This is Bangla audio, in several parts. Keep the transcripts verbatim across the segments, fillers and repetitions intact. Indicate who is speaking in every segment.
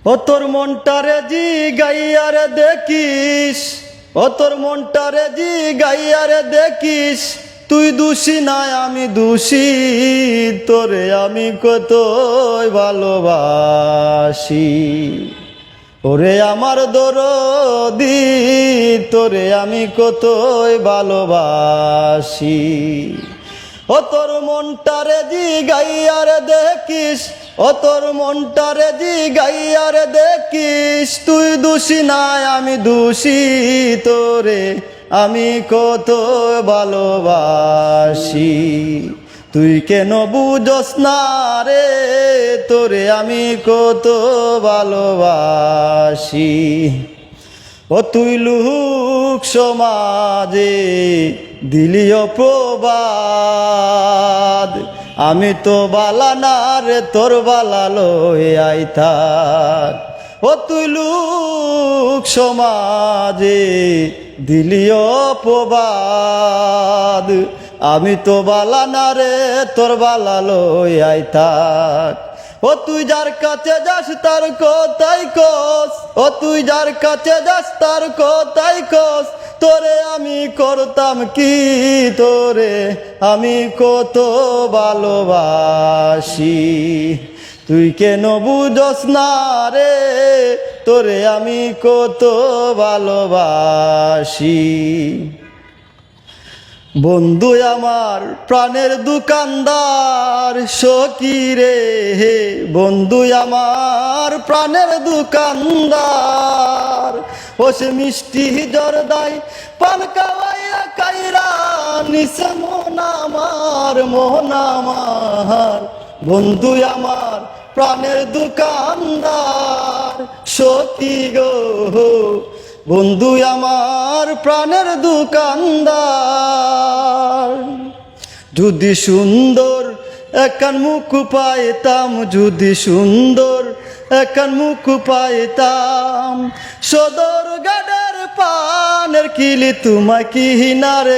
Speaker 1: ও তোর মনটারে জি গাইয়ারে দেখিস, ও তোর মনটারে জি গাইয়ারে দেখিস, তুই দোষী নাই আমি দোষী, তোরে আমি কতই ভালোবাসি। ওরে আমার দরদি, তোরে আমি কতই ভালোবাসি। ও তোর মনটারে জি গাইয়ারে দেখিস, ও তোর মনটারে জি গাইয়ারে দেখিস, তুই দোষী নাই আমি দোষী, তোরে আমি কত ভালোবাসি। তুই কেন বুঝস না রে, তোরে আমি কত ভালোবাসি। ও তুই লোক সমাজে দিলি অপবাদ, আমি তো বালা না রে তোর বালা লয়ে আইতাক। ও তুই লোক সমাজে দিলি অপবাদ, আমি তো বালা না রে তোর বালা লয়ে আইতাক। ও তুই যার কাছে যাস তার কথাই কস, ও তুই যার কাছে যাস তার কথাই কস, তোরে আমি করতাম কি, তোরে আমি কত ভালোবাসি। তুই কেন বুঝস না রে, তোরে আমি কত ভালোবাসি। বন্ধু আমার প্রাণের দোকানদার সখী রে, বন্ধু আমার প্রাণের দোকানদার, ও সে মিষ্টি জর্দাই পান কাওয়াইয়া কাইরা নিছে মন আমার, মন আমার। বন্ধু আমার প্রাণের দোকানদার সখী গো, বন্ধু আমার প্রাণের দোকানদার। যদি সুন্দর একান মুখ পাইতাম, যদি সুন্দর একান মুখ পাইতাম, সদর গাডার পানের কিলি তোমায় কি হিনারে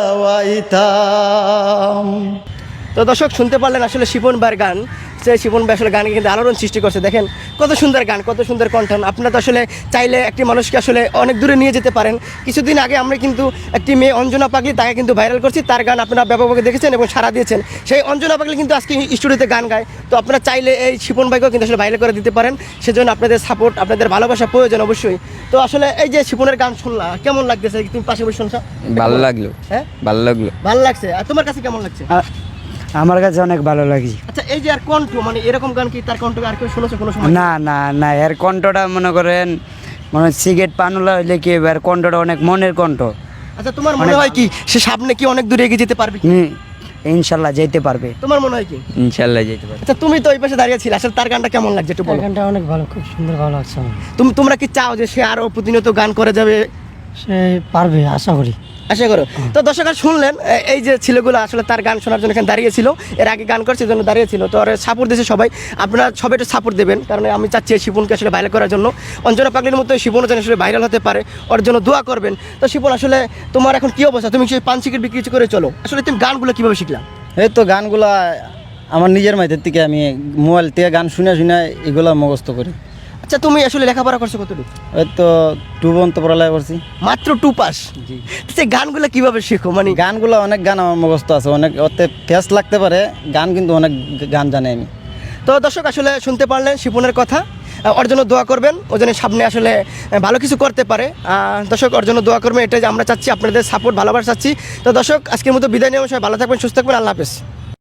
Speaker 1: খাওয়াইতাম।
Speaker 2: তো দর্শক শুনতে পারলেন আসলে শিপন ভাইয়ের গান। সে শিপন ভাই আসলে গানে কিন্তু আলোড়ন সৃষ্টি করছে। দেখেন কত সুন্দর গান, কত সুন্দর কণ্ঠন। আপনারা তো আসলে চাইলে একটি মানুষকে আসলে অনেক দূরে নিয়ে যেতে পারেন। কিছুদিন আগে আমরা কিন্তু একটি মেয়ে অঞ্জনা পাগলি, তাকে কিন্তু ভাইরাল করছি। তার গান আপনারা ব্যাপকভাবে দেখেছেন এবং সাড়া দিয়েছেন। সেই অঞ্জনা পাগলি কিন্তু আজকে স্টুডিওতে গান গায়। তো আপনারা চাইলে এই শিপন ভাইকেও কিন্তু আসলে ভাইরাল করে দিতে পারেন। সেজন্য আপনাদের সাপোর্ট, আপনাদের ভালোবাসা প্রয়োজন অবশ্যই। তো আসলে এই যে শিপনের গান শুনলা, কেমন লাগতেছে? তুমি পাশে বসে শুনছো?
Speaker 3: ভালো লাগলো। হ্যাঁ ভালো লাগলো।
Speaker 2: ভালো লাগছে। আর তোমার কাছে কেমন লাগছে?
Speaker 4: আমার কাছে অনেক ভালো লাগে।
Speaker 2: আচ্ছা এই যে আর কণ্ঠ, মানে এরকম গান কি তার কণ্ঠ আর কেউ শুনেছো কোনো সময়?
Speaker 4: না না না, এর কণ্ঠটা মনে করেন মানে সিগারেট পানুলা হইলে কি এর কণ্ঠটা অনেক মনের কণ্ঠ।
Speaker 2: আচ্ছা তোমার মনে হয় কি সে সামনে কি অনেক দূরে এগিয়ে যেতে পারবে?
Speaker 4: হুম, ইনশাল্লাহ যেতে পারবে।
Speaker 2: তোমার মনে হয় কি?
Speaker 3: ইনশাল্লাহ যেতে পারবে।
Speaker 2: আচ্ছা তুমি তো ওই পাশে দাঁড়িয়ে ছিলে, আসলে তার গানটা কেমন লাগছে একটু বলো।
Speaker 4: গানটা অনেক ভালো, খুব সুন্দর, ভালো লাগছে আমার।
Speaker 2: তুমি তোমরা কি চাও যে সে আরো প্রতিনিয়ত গান করে যাবে?
Speaker 4: সে পারবে, আশা করি।
Speaker 2: আশা করো। তো দর্শকরা শুনলেন এই যে ছেলেগুলো আসলে তার গান শোনার জন্য এখানে দাঁড়িয়েছিল, এর আগে গান করছে জন্য দাঁড়িয়েছিল। তো আর সাপোর্ট দিয়েছে সবাই। আপনারা সবাই একটু সাপোর্ট দেবেন, কারণ আমি চাচ্ছি শিপনকে আসলে ভাইরাল করার জন্য। অঞ্জনা পাগলির মতো শিপনও যেন আসলে ভাইরাল হতে পারে, ওর জন্য দোয়া করবেন। তো শিপন আসলে তোমার এখন কি অবস্থা? তুমি সেই পান সিগারেট বিক্রি করে চলো, আসলে তুমি গানগুলো কীভাবে শিখলা?
Speaker 1: এই তো গানগুলা আমার নিজের মাইতের থেকে আমি মোবাইল থেকে গান শুনে শুনে এগুলা মুখস্থ করি।
Speaker 2: আচ্ছা তুমি আসলে লেখাপড়া করছো কতটুকু?
Speaker 1: ওই তো টু পর্যন্ত পড়ালেখা করছি।
Speaker 2: মাত্র টু পাস? জি। সেই গানগুলো কিভাবে শেখো? মানে
Speaker 1: গানগুলো অনেক গান আমার মুখস্থ আছে, অনেক ওতে ফেস লাগতে পারে, গান কিন্তু অনেক গান জানি আমি।
Speaker 2: তো দর্শক আসলে শুনতে পারলেন শিপনের কথা। ওর জন্য দোয়া করবেন, ও যেন সামনে আসলে ভালো কিছু করতে পারে। দর্শক ওর জন্য দোয়া করবেন, এটাই যে আমরা চাচ্ছি, আপনাদের সাপোর্ট, ভালোবাসা চাচ্ছি। তো দর্শক আজকের মতো বিদায় নিয়ে সবাই ভালো থাকবেন, সুস্থ থাকবেন, আল্লাহ হাফেজ।